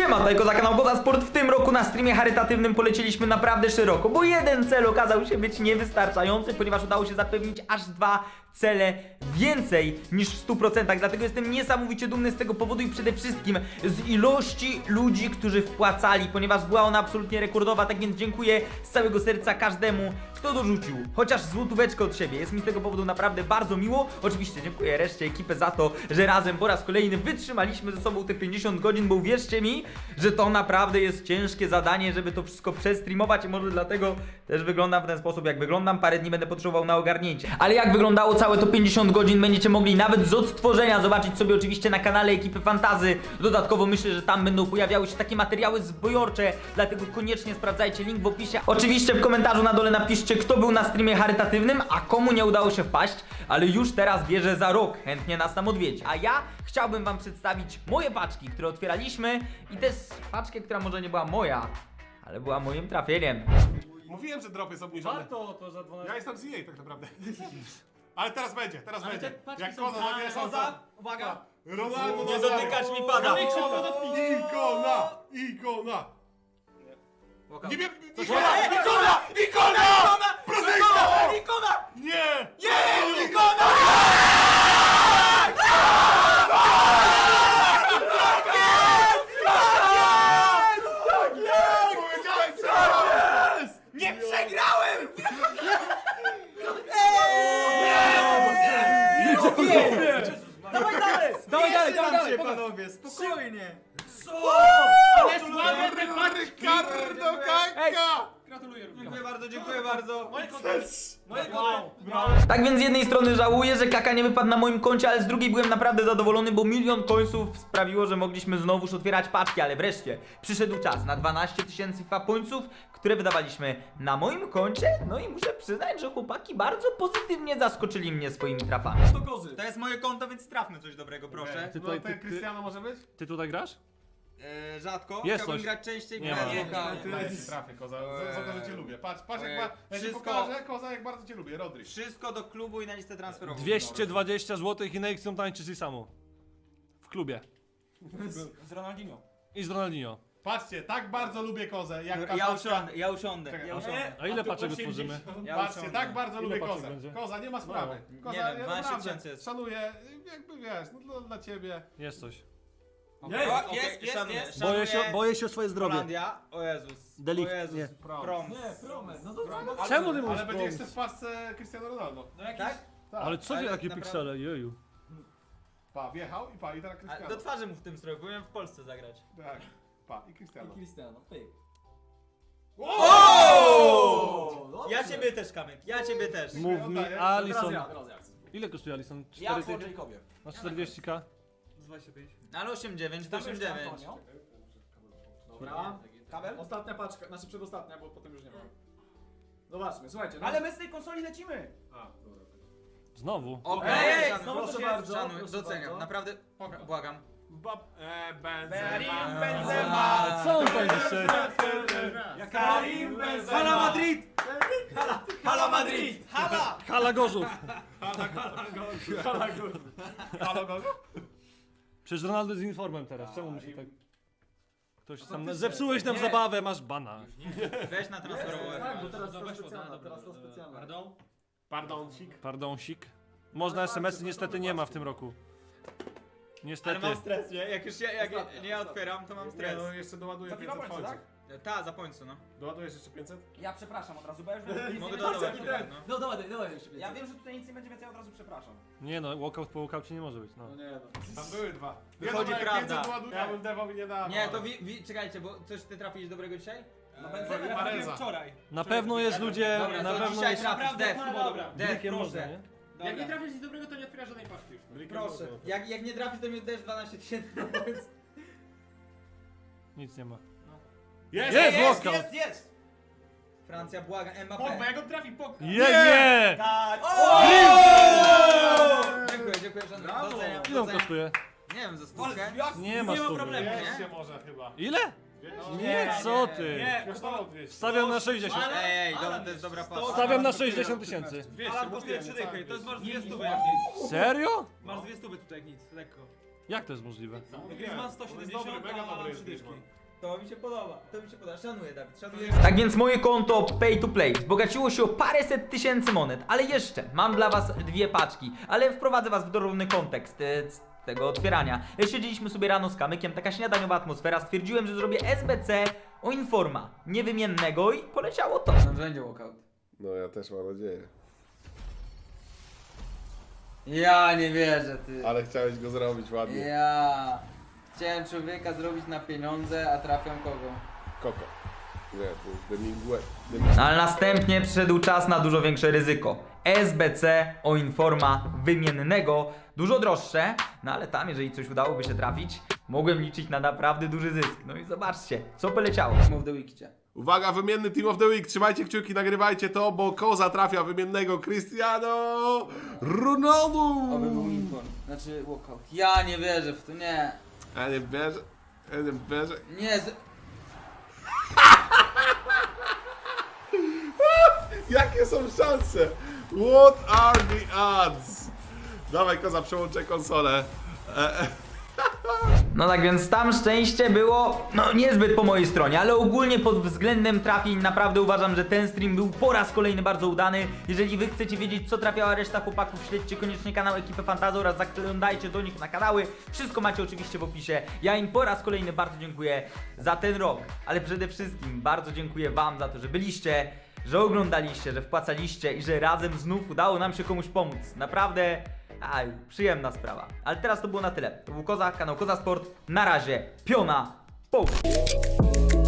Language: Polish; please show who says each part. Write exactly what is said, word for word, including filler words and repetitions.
Speaker 1: Siema, tutaj Koza, kanał Koza Sport. W tym roku na streamie charytatywnym polecieliśmy naprawdę szeroko, bo jeden cel okazał się być niewystarczający, ponieważ udało się zapewnić aż dwa cele więcej niż w stu procentach. Dlatego jestem niesamowicie dumny z tego powodu i przede wszystkim z ilości ludzi, którzy wpłacali, ponieważ była ona absolutnie rekordowa. Tak więc dziękuję z całego serca każdemu, kto dorzucił chociaż złotóweczkę od siebie. Jest mi z tego powodu naprawdę bardzo miło. Oczywiście dziękuję reszcie ekipy za to, że razem po raz kolejny wytrzymaliśmy ze sobą te pięćdziesiąt godzin, bo uwierzcie mi, że to naprawdę jest ciężkie zadanie, żeby to wszystko przestreamować i może dlatego też wyglądam w ten sposób, jak wyglądam. Parę dni będę potrzebował na ogarnięcie. Ale jak wyglądało całe to pięćdziesiąt godzin, będziecie mogli nawet z odtworzenia zobaczyć sobie oczywiście na kanale ekipy Fantazy. Dodatkowo myślę, że tam będą pojawiały się takie materiały zbojorcze, dlatego koniecznie sprawdzajcie link w opisie. Oczywiście w komentarzu na dole napiszcie, kto był na streamie charytatywnym, a komu nie udało się wpaść, ale już teraz wierzę za rok, chętnie nas tam odwiedzi. A ja chciałbym wam przedstawić moje paczki, które otwieraliśmy i też paczkę, która może nie była moja, ale była moim trafieniem.
Speaker 2: Mówiłem, że drop jest obniżony.
Speaker 3: Warto to za dwanaście.
Speaker 2: Ja jestem z E A tak naprawdę. Ale teraz będzie, teraz
Speaker 3: Ale
Speaker 2: będzie.
Speaker 3: te paczki
Speaker 2: Jak
Speaker 3: są
Speaker 2: Koza
Speaker 3: tak,
Speaker 2: zabierze
Speaker 3: Koza, uwaga.
Speaker 2: Ronaldo
Speaker 1: Nie
Speaker 2: Nazario.
Speaker 1: dotykać mi pada.
Speaker 2: Ikona, ikona, ikona. Nie wiem, ikona,
Speaker 1: Ej,
Speaker 2: ikona, ikona! Prozyjka!
Speaker 1: Ikona!
Speaker 2: Nie!
Speaker 1: Nie! Ikona!
Speaker 2: Powiedziałem, co jest!
Speaker 1: Nie przegrałem!
Speaker 3: Dawaj dalej! Dawaj dalej, dawaj dalej!
Speaker 1: panowie, spokojnie.
Speaker 3: Ale słabe te paczki!
Speaker 2: Ricardo Kaka!
Speaker 3: Gratuluję również.
Speaker 1: Dziękuję bardzo, dziękuję bardzo.
Speaker 3: Moje konto. Moje
Speaker 2: Wow,
Speaker 3: konto.
Speaker 1: Tak więc z jednej strony żałuję, że Kaka nie wypadł na moim koncie, ale z drugiej byłem naprawdę zadowolony, bo milion końców sprawiło, że mogliśmy znowuż otwierać paczki, ale wreszcie przyszedł czas na dwanaście tysięcy końców, które wydawaliśmy na moim koncie. No i muszę przyznać, że chłopaki bardzo pozytywnie zaskoczyli mnie swoimi trafami.
Speaker 3: To kozy.
Speaker 1: To jest moje konto, więc trafmy coś dobrego, proszę.
Speaker 2: Ty tutaj, ty, Cristiano może być?
Speaker 4: Ty tutaj grasz?
Speaker 1: E, rzadko,
Speaker 4: Jest
Speaker 1: chciałbym
Speaker 4: coś.
Speaker 1: grać częściej,
Speaker 4: Nie
Speaker 1: bez
Speaker 4: ma.
Speaker 1: loka.
Speaker 2: Ty ja ci trafię, Koza, za, za to, że cię lubię. Patrz, patrz jak,
Speaker 1: Ojej.
Speaker 2: ma, ja ci
Speaker 1: Wszystko-
Speaker 2: pokażę, Koza, jak bardzo cię lubię, Rodri.
Speaker 1: Wszystko do klubu i na listę transferową.
Speaker 4: dwieście dwadzieścia złotych i na X tańczysz i samo. W klubie.
Speaker 3: Z Ronaldinho.
Speaker 4: I z Ronaldinho.
Speaker 2: Patrzcie, tak bardzo lubię Kozę, jak ta
Speaker 1: Ja
Speaker 2: paczka-
Speaker 1: usiądę, ja usiądę,
Speaker 2: Czekaj,
Speaker 1: ja
Speaker 2: a-
Speaker 1: usiądę.
Speaker 4: A ile paczek otworzymy?
Speaker 1: Ja
Speaker 2: Patrzcie,
Speaker 1: usiądę.
Speaker 2: tak bardzo
Speaker 4: Ile
Speaker 2: lubię
Speaker 4: paczek
Speaker 2: Kozę.
Speaker 4: będzie?
Speaker 2: Koza, nie ma sprawy. Koza,
Speaker 1: Nie wiem,
Speaker 2: ja
Speaker 1: dwanaście
Speaker 2: naprawdę
Speaker 1: tysięcy jest.
Speaker 2: szanuję, jakby wiesz, no dla, dla ciebie.
Speaker 4: Jest coś.
Speaker 3: Jest,
Speaker 1: O,
Speaker 3: okej,
Speaker 1: jest, jest,
Speaker 3: szanuję.
Speaker 1: jest.
Speaker 4: Boję się, boję się o swoje zdrowie.
Speaker 1: Holandia, o Jezus.
Speaker 4: Delikt,
Speaker 1: O Jezus.
Speaker 4: nie.
Speaker 1: Prom.
Speaker 3: Nie, promes. No to co?
Speaker 4: Czemu ty mówisz
Speaker 2: Ale będzie
Speaker 4: Bronx?
Speaker 2: jeszcze w paczce Cristiano Ronaldo.
Speaker 3: No jakiś...
Speaker 1: Tak?
Speaker 2: Tak.
Speaker 4: Ale co
Speaker 1: Ale
Speaker 4: wy takie
Speaker 1: naprawdę-
Speaker 4: piksele, jeju.
Speaker 2: Pa, wjechał i pa, i teraz
Speaker 1: A,
Speaker 2: Cristiano.
Speaker 1: do twarzy mu w tym stroju, powinien w Polsce zagrać.
Speaker 2: Tak, pa, i Cristiano.
Speaker 3: Cristiano, pyk.
Speaker 1: O!
Speaker 3: dobrze.
Speaker 1: Ja ciebie też, Kamek, ja ciebie też.
Speaker 4: Mów mi,
Speaker 2: Oddaję.
Speaker 3: Teraz
Speaker 4: Alison.
Speaker 3: ja, teraz ja chcę.
Speaker 4: Ile kosztuje Alison?
Speaker 3: Ja
Speaker 4: cztery
Speaker 3: po
Speaker 4: tysiące?
Speaker 3: Jacobie.
Speaker 4: Na czterdzieści ka?
Speaker 3: dwadzieścia pięć.
Speaker 1: Ale osiem dziewięć, to osiem dziewięć.
Speaker 3: Dobra. Kabel? Ostatnia paczka, znaczy przedostatnia, bo potem już nie ma. Zobaczmy, słuchajcie. No.
Speaker 5: Ale my z tej konsoli lecimy!
Speaker 2: A, dobra.
Speaker 4: Znowu.
Speaker 1: Okej,
Speaker 3: Ej,
Speaker 1: szanuję,
Speaker 3: znowu
Speaker 1: proszę
Speaker 3: coś
Speaker 1: bardzo,
Speaker 3: jest,
Speaker 1: szanuję,
Speaker 3: proszę
Speaker 1: doceniam,
Speaker 3: bardzo.
Speaker 1: naprawdę, błagam.
Speaker 2: Bab, e,
Speaker 5: Karim
Speaker 2: Benzema.
Speaker 5: Benzema!
Speaker 4: A co on tam jeszcze?
Speaker 5: Karim Benzema!
Speaker 1: Hala Madrid! Hala Madrid!
Speaker 5: Hala!
Speaker 4: Hala Gorzów.
Speaker 2: Halo, Gozu?
Speaker 4: Przecież Ronaldo jest informem teraz, czemu musi tak... Ktoś tam...
Speaker 2: faktycznie.
Speaker 4: Zepsułeś nam
Speaker 1: Nie.
Speaker 4: zabawę, masz bana.
Speaker 1: Weź na transferową.
Speaker 3: Tak, bo teraz to specjalna, teraz to specjalna.
Speaker 5: Pardon?
Speaker 2: Pardoncik.
Speaker 4: Pardonsik. Można es em esy niestety nie ma w tym roku.
Speaker 1: Ale
Speaker 4: Niestety.
Speaker 1: mam stres, nie? Jak już ja, jak nie ja otwieram, to mam
Speaker 2: Nie,
Speaker 1: stres.
Speaker 2: no jeszcze doładuję
Speaker 5: Za
Speaker 2: pięćset
Speaker 5: kilka
Speaker 2: końców.
Speaker 5: tak?
Speaker 1: Ta, za pońcu, no.
Speaker 2: Doładujesz jeszcze pięćset?
Speaker 5: Ja przepraszam od razu, bo ja już wiem, że
Speaker 1: Mogę
Speaker 5: nic nie
Speaker 1: dodawać,
Speaker 5: będzie więcej.
Speaker 1: no.
Speaker 3: No dawaj, dawaj jeszcze
Speaker 5: Ja wiem, że tutaj nic nie będzie więcej, ja od razu przepraszam.
Speaker 4: Nie no, walkout po walkoutie nie może być, no.
Speaker 3: No nie no.
Speaker 2: Tam były dwa.
Speaker 1: Wychodzi
Speaker 2: ja dobra, jak
Speaker 1: prawda.
Speaker 2: pięćset doładuję, ja bym Dewowi nie dał.
Speaker 1: Nie, to wi, wi, czekajcie, bo coś ty trafiłeś dobrego dzisiaj?
Speaker 5: No
Speaker 2: Eee,
Speaker 5: Benzema ja
Speaker 2: Mareza.
Speaker 5: trafiłem wczoraj.
Speaker 4: Na pewno jest ludzie,
Speaker 1: Dobra,
Speaker 4: na
Speaker 1: to
Speaker 4: pewno
Speaker 1: dzisiaj
Speaker 4: jest...
Speaker 1: trafisz,
Speaker 5: Naprawdę,
Speaker 1: Dev.
Speaker 5: no dobra.
Speaker 1: Dev,
Speaker 4: Blikiem można,
Speaker 1: proszę.
Speaker 4: nie?
Speaker 5: Dobra.
Speaker 3: Jak nie trafisz nic dobrego, to nie otwierasz żadnej paczki już.
Speaker 1: Proszę. Jak, jak nie trafisz, to mi też dwanaście tysięcy na pońcu.
Speaker 4: Nic nie ma.
Speaker 2: Jest!
Speaker 4: Jest!
Speaker 5: Jest,
Speaker 4: walkout.
Speaker 5: jest, jest!
Speaker 1: Francja, błaga,
Speaker 5: Pogba,
Speaker 1: Mbappé.
Speaker 5: jak on trafi, Pogba.
Speaker 4: Je, nie!
Speaker 5: Tak!
Speaker 1: Dziękuję, dziękuję, że
Speaker 3: Brawo.
Speaker 1: doceniam,
Speaker 4: Ile on
Speaker 1: doceniam.
Speaker 4: kosztuje?
Speaker 1: Nie wiem, za
Speaker 5: Ale
Speaker 1: stówkę.
Speaker 5: jak-
Speaker 4: Nie ma
Speaker 5: nie ma
Speaker 4: stówy.
Speaker 5: problemu, nie?
Speaker 2: Jeszcze może chyba.
Speaker 4: Ile?
Speaker 2: Dwieście?
Speaker 4: Nie, co ty?
Speaker 5: Nie,
Speaker 2: Kosztował dwieście.
Speaker 4: Stawiam na sześćdziesiąt.
Speaker 5: Ale-
Speaker 1: Ej, ej,
Speaker 5: ale
Speaker 1: dobra, to jest dobra
Speaker 5: sto-
Speaker 1: pasa.
Speaker 4: Stawiam na sześćdziesiąt tysięcy.
Speaker 2: dwieście,
Speaker 5: Ale kosztuje
Speaker 2: mówiłem,
Speaker 5: trzy
Speaker 2: cały
Speaker 5: dychy, to jest
Speaker 2: dwieście.
Speaker 5: masz dwie stówy jak nic.
Speaker 4: Serio?
Speaker 5: Masz dwie stówy tutaj jak nic, lekko.
Speaker 4: Jak to jest możliwe?
Speaker 5: Griezmann sto siedemdziesiąt,
Speaker 2: mega dobry
Speaker 5: a
Speaker 2: jest
Speaker 5: trzy dyszki.
Speaker 1: To mi się podoba, to mi się podoba. Szanuję, Dawid, szanuję. Tak więc moje konto Pay to Play wzbogaciło się o paręset tysięcy monet, ale jeszcze mam dla was dwie paczki, ale wprowadzę was w dorówny kontekst e, z tego otwierania. Siedzieliśmy sobie rano z kamykiem, taka śniadaniowa atmosfera, stwierdziłem, że zrobię S B C o Informa, niewymiennego i poleciało to.
Speaker 6: No będzie walkout.
Speaker 7: No ja też mam nadzieję.
Speaker 6: Ja nie wierzę, ty.
Speaker 7: Ale chciałeś go zrobić ładnie.
Speaker 6: Ja. Chciałem człowieka zrobić na pieniądze, a trafiam kogo?
Speaker 7: Koko. Nie, to jest Demingue.
Speaker 1: No, ale następnie przyszedł czas na dużo większe ryzyko. S B C o Informa wymiennego, dużo droższe, no ale tam, jeżeli coś udałoby się trafić, mogłem liczyć na naprawdę duży zysk. No i zobaczcie, co poleciało.
Speaker 6: Mów do Wikicie.
Speaker 7: Uwaga, wymienny Team of the Week. Trzymajcie kciuki, nagrywajcie to, bo Koza trafia wymiennego Cristiano Ronaldo.
Speaker 6: Oby był inform. Znaczy walkout. Ja nie wierzę w to, nie.
Speaker 7: Ja nie wierzę. Ja nie wierzę.
Speaker 6: Nie, z...
Speaker 7: Jakie są szanse? What are the odds? Dawaj Koza, przełączę konsolę. E, e.
Speaker 1: No tak więc tam szczęście było, no niezbyt po mojej stronie, ale ogólnie pod względem trafień naprawdę uważam, że ten stream był po raz kolejny bardzo udany. Jeżeli wy chcecie wiedzieć, co trafiała reszta chłopaków, śledźcie koniecznie kanał Ekipy Fantazy oraz zaglądajcie do nich na kanały. Wszystko macie oczywiście w opisie. Ja im po raz kolejny bardzo dziękuję za ten rok, ale przede wszystkim bardzo dziękuję wam za to, że byliście, że oglądaliście, że wpłacaliście i że razem znów udało nam się komuś pomóc. Naprawdę... Aj, przyjemna sprawa. Ale teraz to było na tyle. To był Koza, kanał Koza Sport. Na razie, piona, połóż.